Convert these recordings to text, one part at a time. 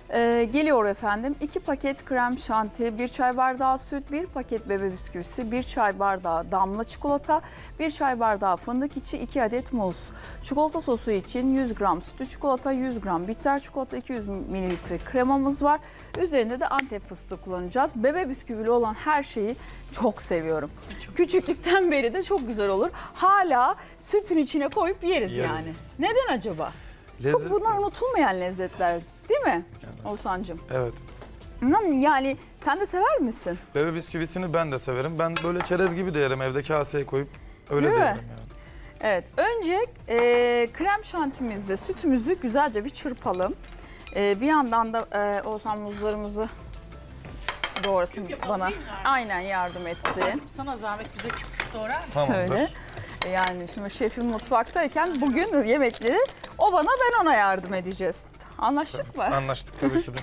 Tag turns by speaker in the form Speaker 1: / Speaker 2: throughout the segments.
Speaker 1: Geliyor efendim. 2 paket krem şanti, 1 çay bardağı süt, 1 paket bebe bisküvisi, 1 çay bardağı damla çikolata, 1 çay bardağı fındık içi, 2 adet muz. Çikolata sosu için 100 gram sütlü çikolata, 100 gram bitter çikolata, 200 mililitre kremamız var. Üzerinde de Antep fıstığı kullanacağız. Bebe bisküvili olan her şeyi çok seviyorum. Küçüklükten beri de çok güzel olur. Hala sütün içine koyup yeriz yani. Neden acaba? Çok bunlar unutulmayan lezzetler değil mi Oğuzhan'cığım?
Speaker 2: Evet.
Speaker 1: Yani sen de sever misin?
Speaker 2: Bebe bisküvisini ben de severim. Ben böyle çerez gibi de yerim evde kaseye koyup öyle
Speaker 1: Değil
Speaker 2: de
Speaker 1: mi?
Speaker 2: yerim yani.
Speaker 1: Evet, önce krem şantimizde sütümüzü güzelce bir çırpalım. Bir yandan da Oğuzhan muzlarımızı doğrasın bana. Aynen yardım etsin.
Speaker 3: Sana zahmet bize küp küp doğrar mısın?
Speaker 2: Tamamdır.
Speaker 1: Şöyle. Yani şimdi şefim mutfaktayken bugün yemekleri o bana ben ona yardım edeceğiz. Anlaştık mı?
Speaker 2: Anlaştık tabii ki de.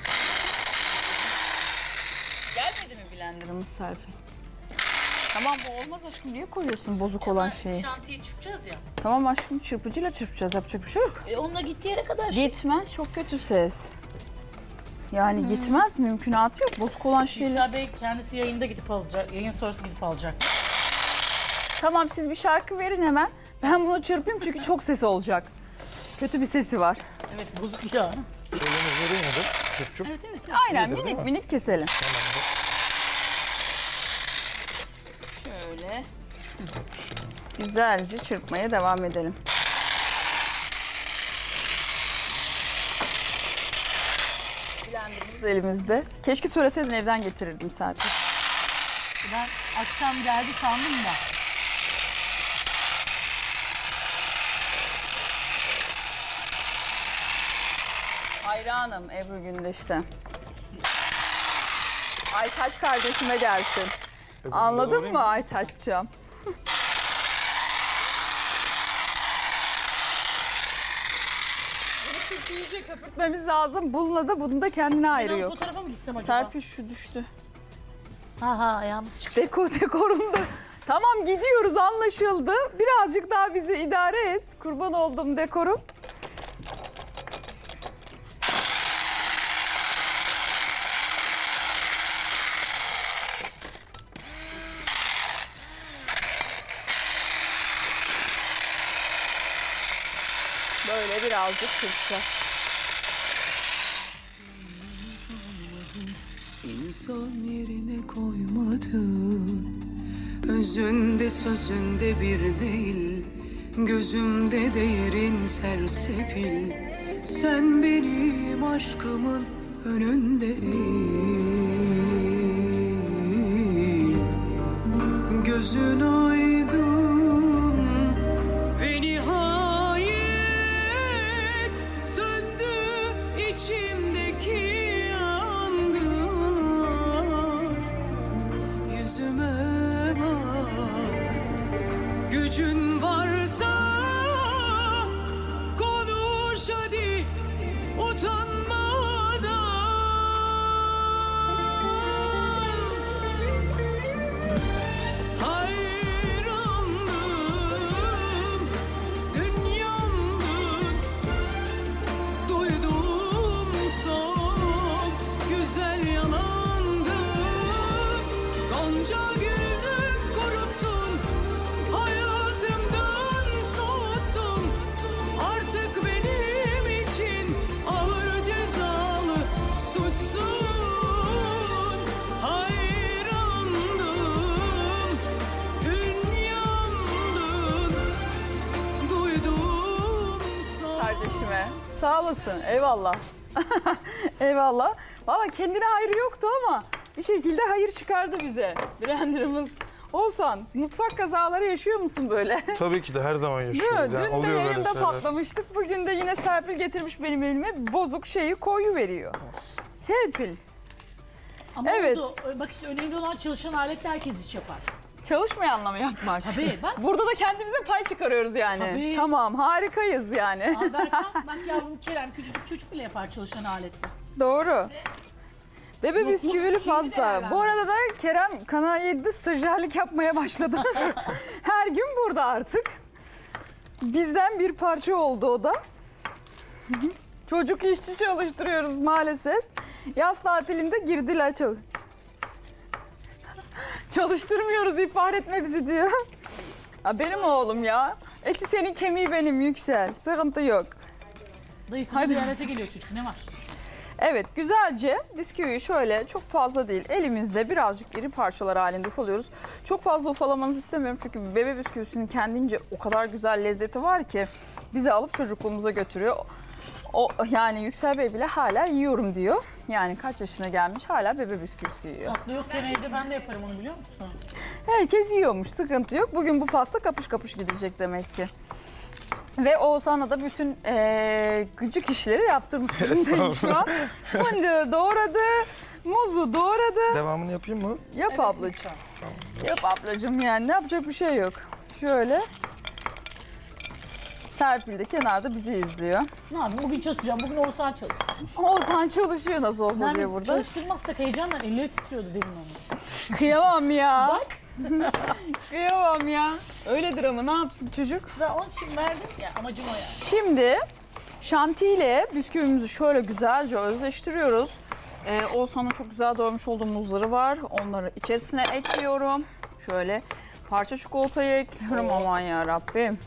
Speaker 1: Gelmedi mi blenderımız Serpil? Tamam bu olmaz aşkım, niye koyuyorsun bozuk olan şeyi?
Speaker 3: Şantiye çıkacağız ya.
Speaker 1: Tamam aşkım, çırpıcıyla çırpacağız, yapacak bir şey yok.
Speaker 3: Onunla gittiği yere kadar
Speaker 1: Gitmez, çok kötü ses. Yani gitmez, mümkünatı yok bozuk olan şeyler.
Speaker 3: Yüksel Bey kendisi yayında gidip alacak, yayın sonrası gidip alacak.
Speaker 1: Tamam siz bir şarkı verin hemen. Ben bunu çırpayım çünkü çok sesi olacak. Kötü bir sesi var.
Speaker 3: Evet bozuk ya.
Speaker 2: Şöyle vereyim mi? Çup.
Speaker 3: Evet evet.
Speaker 1: Aynen
Speaker 2: İyidir, değil
Speaker 1: minik
Speaker 2: mi?
Speaker 1: minik keselim.
Speaker 2: Tamamdır.
Speaker 1: Şöyle. Güzelce çırpmaya devam edelim. Blenderımız elimizde. Keşke söyleseydin evden getirirdim Serpil.
Speaker 3: Ben akşam geldi sandım da.
Speaker 1: Hayranım Ebru Gündeş'ten. Aytaç kardeşime gelsin. Anladın mı Aytaç'cığım? Bunu çok iyice köpürtmemiz lazım. Bununla da bunun da kendine
Speaker 3: Ben
Speaker 1: ayırıyor.
Speaker 3: bu tarafa mı gitsem acaba?
Speaker 1: Serpil şu düştü.
Speaker 3: Ha ayağımız çıktı.
Speaker 1: Dekorumda. Tamam gidiyoruz, anlaşıldı. Birazcık daha bizi idare et. Kurban oldum dekorum. Böyle birazcık çırpacağız.
Speaker 4: İnsan yerine koymadın. Özünde sözünde bir değil, gözümde değerin sersefil. Sen benim aşkımın önünde eğil. Gözün aydın ve nihayet söndü içimdeki yangın. Yüzüme bak, gücün varsa konuş hadi utanmadan. Hayrandım, dünyamdın, duydum son güzel yalandı. Gonca güldün, kuruttun, hayatımdan soğuttun. Artık benim için ağır cezalı suçsun. Hayrandım, dünyamdın, duydum son.
Speaker 1: Kardeşime. Sağ olasın. Eyvallah. Eyvallah. Valla kendine hayrı yoktu ama bir şekilde hayır çıkardı bize. Blenderımız. Oğuzhan, mutfak kazaları yaşıyor musun böyle?
Speaker 2: Tabii ki de her zaman
Speaker 1: Değil mi?
Speaker 2: yaşıyoruz. Yani
Speaker 1: Dün de
Speaker 2: oluyor böyle
Speaker 1: yayında
Speaker 2: şeyler.
Speaker 1: patlamıştık. Bugün de yine Serpil getirmiş benim elime bozuk şeyi koyuveriyor. Serpil,
Speaker 3: Ama
Speaker 1: Evet.
Speaker 3: oldu. Bak işte önemli olan çalışan aletler herkes iş yapar.
Speaker 1: çalışmayanla mı yapmak?
Speaker 3: Tabii bak.
Speaker 1: Burada da kendimize pay çıkarıyoruz yani.
Speaker 3: Tabii.
Speaker 1: Tamam, harikayız yani.
Speaker 3: Al versen bak yavrum Kerem küçücük çocuk bile yapar çalışan aletle.
Speaker 1: Doğru. Bebe
Speaker 3: Yokluk
Speaker 1: bisküvili
Speaker 3: şeyini
Speaker 1: fazla.
Speaker 3: değerlendir.
Speaker 1: Bu arada da Kerem Kanal 7'de stajyerlik yapmaya başladı. Her gün burada artık. Bizden bir parça oldu o da. Çocuk işçi çalıştırıyoruz maalesef. Yaz tatilinde girdiler çalıştırmıyoruz, ihbar etme bizi diyor. Ha, benim oğlum ya. Eti senin, kemiği benim, Yüksel. Sıkıntı yok.
Speaker 3: Dayısını
Speaker 1: Hadi.
Speaker 3: ziyarete geliyor çocuk. Ne var?
Speaker 1: Evet, güzelce bisküviyi şöyle, çok fazla değil, elimizde birazcık iri parçalar halinde ufalıyoruz. Çok fazla ufalamanızı istemiyorum çünkü bebe bisküvisinin kendince o kadar güzel lezzeti var ki bizi alıp çocukluğumuza götürüyor. O yani Yüksel Bey bile hala yiyorum diyor. Yani kaç yaşına gelmiş hala bebe bisküvisi yiyor.
Speaker 3: Tatlı yokken evde ben de yaparım onu, biliyor musun?
Speaker 1: Herkes yiyormuş, sıkıntı yok. Bugün bu pasta kapış kapış gidecek demek ki. Ve Oğuzhan'a da bütün gıcık işleri yaptırmış durumdayım şu an. Fındığı doğradı, muzu doğradı.
Speaker 2: Devamını yapayım mı?
Speaker 1: Yap ablacığım. Yap ablacığım, yani ne yapacak bir şey yok. Şöyle. Serpil de kenarda bizi izliyor.
Speaker 3: Ne yapayım? Bugün çalışacağım. Bugün Oğuzhan çalışıyor.
Speaker 1: Oğuzhan çalışıyor nasıl olsa diye burada.
Speaker 3: Çalıştırmazsak heyecanla elleri titriyordu demin onu.
Speaker 1: Kıyamam ya.
Speaker 3: Bak.
Speaker 1: Kıyamam ya. Öyledir ama ne yapsın çocuk?
Speaker 3: Ben onun için verdim ya, amacım o yani.
Speaker 1: Şimdi şantiyle bisküvimizi şöyle güzelce özleştiriyoruz. Oğuzhan'ın çok güzel doğramış olduğu muzları var. Onları içerisine ekliyorum. Şöyle parça çikolatayı ekliyorum. Aman ya Rabbim.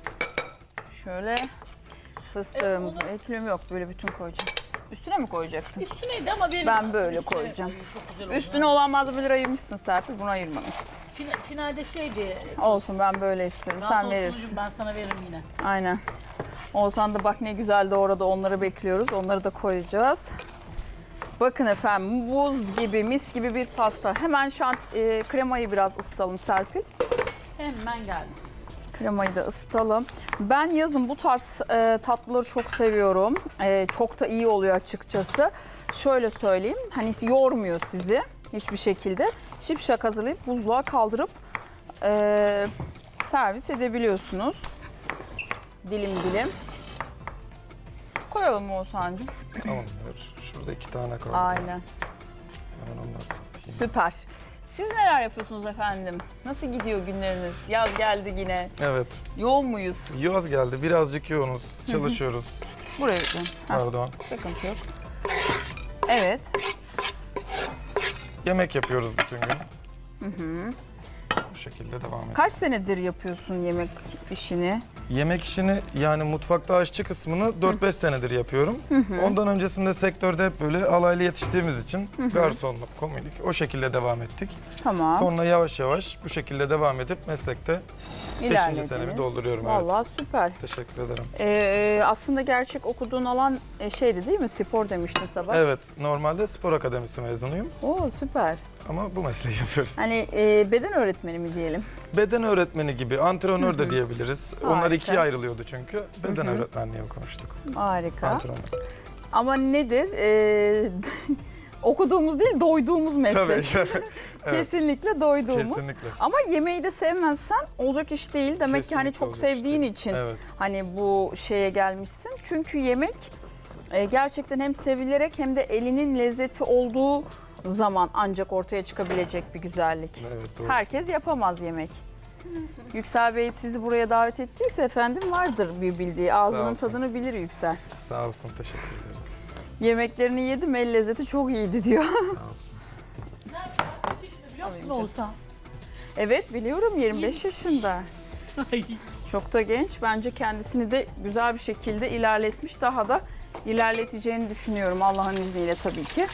Speaker 1: Şöyle fıstığımızı ekliyorum. Yok, böyle bütün koyacağım. Üstüne mi koyacaktın?
Speaker 3: Üstüneydi ama benim
Speaker 1: Ben
Speaker 3: aslında
Speaker 1: böyle
Speaker 3: üstüne
Speaker 1: koyacağım.
Speaker 3: yapalım. Çok güzel oldu.
Speaker 1: Üstüne olan malzemeleri ayırmışsın Serpil. Bunu ayırmamışsın.
Speaker 3: Finalde şeydi.
Speaker 1: Olsun, ben böyle istiyorum.
Speaker 3: Rahat
Speaker 1: Sen
Speaker 3: olsun
Speaker 1: verirsin.
Speaker 3: hocam, ben sana veririm yine.
Speaker 1: Aynen. Oğuzhan da bak ne güzel doğradı. Onları bekliyoruz. Onları da koyacağız. Bakın efendim, buz gibi, mis gibi bir pasta. Hemen kremayı biraz ısıtalım Serpil.
Speaker 3: Hemen geldim.
Speaker 1: Kremayı da ısıtalım. Ben yazın bu tarz tatlıları çok seviyorum. Çok da iyi oluyor açıkçası. Şöyle söyleyeyim, hani yormuyor sizi hiçbir şekilde. Şipşak hazırlayıp buzluğa kaldırıp servis edebiliyorsunuz. Dilim dilim. Koyalım mı Oğuzhan'cığım?
Speaker 2: Tamamdır. Şurada 2 tane kaldı.
Speaker 1: Aynen.
Speaker 2: Hemen onları da atayım.
Speaker 1: Süper. Siz neler yapıyorsunuz efendim? Nasıl gidiyor günleriniz? Yaz geldi yine.
Speaker 2: Evet.
Speaker 1: Yoğun muyuz?
Speaker 2: Yaz geldi. Birazcık yoğunuz. Çalışıyoruz.
Speaker 1: Buraya gidin.
Speaker 2: Pardon.
Speaker 1: Sıkıntı yok. Evet.
Speaker 2: Yemek yapıyoruz bütün gün. Bu şekilde devam ediyoruz.
Speaker 1: Kaç senedir yapıyorsun yemek işini?
Speaker 2: Yemek işini, yani mutfakta aşçı kısmını 4-5 senedir yapıyorum. Ondan öncesinde sektörde hep böyle alaylı yetiştiğimiz için garsonluk, komilik o şekilde devam ettik.
Speaker 1: Tamam.
Speaker 2: Sonra yavaş yavaş bu şekilde devam edip meslekte 5.
Speaker 1: İlerlediniz.
Speaker 2: senemi dolduruyorum.
Speaker 1: Vallahi süper.
Speaker 2: Evet. Teşekkür ederim.
Speaker 1: Aslında gerçek okuduğun alan şeydi değil mi? Spor demiştin sabah.
Speaker 2: Evet, normalde spor akademisi mezunuyum
Speaker 1: Oo süper.
Speaker 2: ama bu mesleği yapıyoruz.
Speaker 1: Hani beden öğretmeni mi diyelim?
Speaker 2: Beden öğretmeni gibi, antrenör de diyebiliriz. Onlar
Speaker 1: Harika.
Speaker 2: ikiye ayrılıyordu çünkü. Beden öğretmenliği okumuştuk.
Speaker 1: Harika.
Speaker 2: Antrenör.
Speaker 1: Ama nedir? Okuduğumuz değil, doyduğumuz meslek.
Speaker 2: Tabii. Evet,
Speaker 1: Kesinlikle doyduğumuz.
Speaker 2: kesinlikle.
Speaker 1: Ama yemeği de sevmezsen olacak iş değil. Demek ki hani
Speaker 2: Kesinlikle
Speaker 1: çok
Speaker 2: olacak iş
Speaker 1: sevdiğin
Speaker 2: değil.
Speaker 1: için
Speaker 2: Evet.
Speaker 1: hani bu şeye gelmişsin. Çünkü yemek gerçekten hem sevilerek hem de elinin lezzeti olduğu zaman ancak ortaya çıkabilecek bir güzellik.
Speaker 2: Evet, doğru.
Speaker 1: Herkes yapamaz yemek. Yüksel Bey sizi buraya davet ettiyse efendim vardır bir bildiği. Ağzının
Speaker 2: olsun.
Speaker 1: tadını bilir Yüksel.
Speaker 2: Sağ olsun, teşekkür ederiz.
Speaker 1: Yemeklerini yedim, el lezzeti çok iyiydi diyor.
Speaker 2: Sağ olsun.
Speaker 3: Kaç yaşında biliyor musun Oğuzhan?
Speaker 1: Evet biliyorum, 25 yaşında. Çok da genç. Bence kendisini de güzel bir şekilde ilerletmiş. Daha da ilerleteceğini düşünüyorum Allah'ın izniyle tabii ki.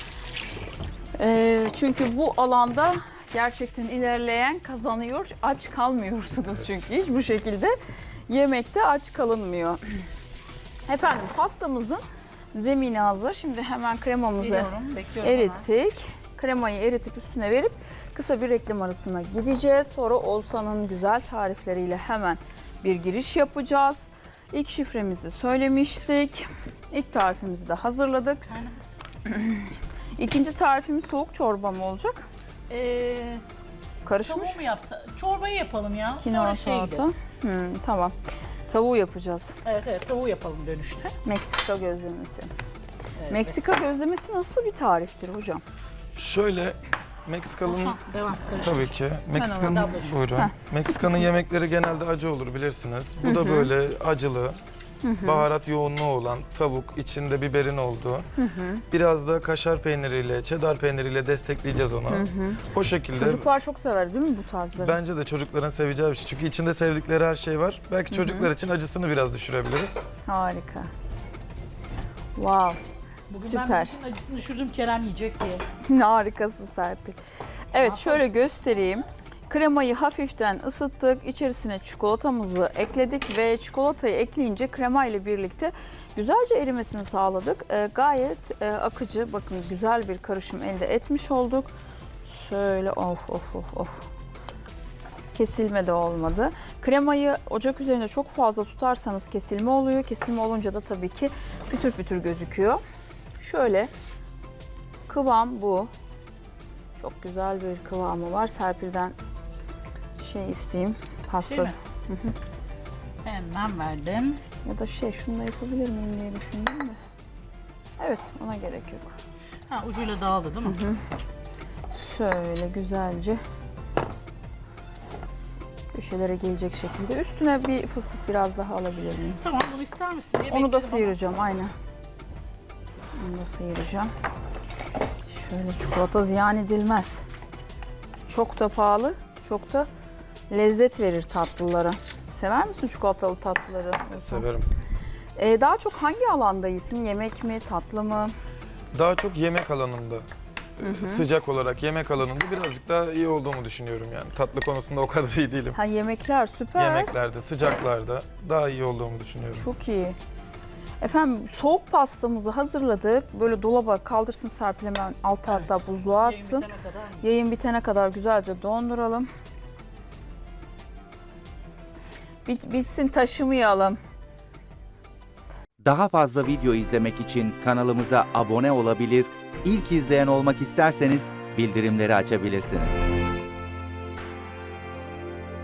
Speaker 1: Çünkü bu alanda gerçekten ilerleyen kazanıyor. Aç kalmıyorsunuz çünkü hiç bu şekilde yemekte aç kalınmıyor. Efendim pastamızın zemini hazır. Şimdi hemen kremamızı
Speaker 3: Geliyorum, bekliyorum.
Speaker 1: erittik. Kremayı eritip üstüne verip kısa bir reklam arasına gideceğiz. Sonra Oğuzhan'ın güzel tarifleriyle hemen bir giriş yapacağız. İlk şifremizi söylemiştik. İlk tarifimizi de hazırladık. İkinci tarifimiz soğuk çorba mı olacak? Karışmış.
Speaker 3: Tavuğu mu yapsa? Çorbayı yapalım ya.
Speaker 1: Kinoa
Speaker 3: Sonra şey
Speaker 1: salata.
Speaker 3: gideriz.
Speaker 1: Tamam. Tavuğu yapacağız.
Speaker 3: Evet tavuğu yapalım dönüşte.
Speaker 1: Meksika gözlemesi.
Speaker 3: Evet,
Speaker 1: Meksika gözlemesi nasıl bir tariftir hocam?
Speaker 2: Şöyle, Meksikalı'nın
Speaker 3: Oğuzhan, devam.
Speaker 2: tabii ki. Meksika'nın
Speaker 3: ablacığım.
Speaker 2: buyurun.
Speaker 1: Heh.
Speaker 2: Meksika'nın yemekleri genelde acı olur bilirsiniz. Bu da böyle acılı. baharat yoğunluğu olan tavuk, içinde biberin olduğu. Biraz da kaşar peyniriyle, cheddar peyniriyle destekleyeceğiz onu. O şekilde.
Speaker 1: Çocuklar çok sever değil mi bu tarzları?
Speaker 2: Bence de çocukların seveceği bir şey. Çünkü içinde sevdikleri her şey var. Belki çocuklar için acısını biraz düşürebiliriz.
Speaker 1: Harika. Wow.
Speaker 3: Bugün
Speaker 1: Süper.
Speaker 3: ben bütün acısını düşürdüm Kerem yiyecek diye.
Speaker 1: Harikasın Serpil. Evet, şöyle göstereyim. Kremayı hafiften ısıttık. İçerisine çikolatamızı ekledik ve çikolatayı ekleyince krema ile birlikte güzelce erimesini sağladık. Gayet akıcı, bakın güzel bir karışım elde etmiş olduk. Şöyle of. Kesilme de olmadı. Kremayı ocak üzerinde çok fazla tutarsanız kesilme oluyor. Kesilme olunca da tabii ki pütür pütür gözüküyor. Şöyle kıvam bu. Çok güzel bir kıvamı var. Serpil'den isteyeyim. Pasta
Speaker 3: Şey mi? Hemen verdim.
Speaker 1: ya da şunu da yapabilir miyim diye düşündüm de. Evet, ona gerek yok.
Speaker 3: Ha, ucuyla dağıldı değil mi?
Speaker 1: Şöyle güzelce köşelere gelecek şekilde. Üstüne bir fıstık biraz daha alabilir miyim?
Speaker 3: Tamam, bunu ister misin diye
Speaker 1: Onu da
Speaker 3: bekledim ama.
Speaker 1: sıyıracağım, aynen. Onu da sıyıracağım. Şöyle, çikolata ziyan edilmez. Çok da pahalı, çok da lezzet verir tatlılara. Sever misin çikolatalı tatlıları?
Speaker 2: Severim.
Speaker 1: Daha çok hangi alandaysın? Yemek mi, tatlı mı?
Speaker 2: Daha çok yemek alanında. Sıcak olarak yemek alanında birazcık daha iyi olduğumu düşünüyorum yani. Tatlı konusunda o kadar iyi değilim.
Speaker 1: Ha, yemekler süper.
Speaker 2: Yemeklerde, sıcaklarda daha iyi olduğumu düşünüyorum.
Speaker 1: Çok iyi. Efendim, soğuk pastamızı hazırladık. Böyle dolaba kaldırsın Serpil, hemen altı hatta buzluğa
Speaker 3: Yayın
Speaker 1: atsın.
Speaker 3: bitene kadar mı?
Speaker 1: Yayın bitene kadar güzelce donduralım. Bitsin, taşımayalım.
Speaker 5: Daha fazla video izlemek için kanalımıza abone olabilir, ilk izleyen olmak isterseniz bildirimleri açabilirsiniz.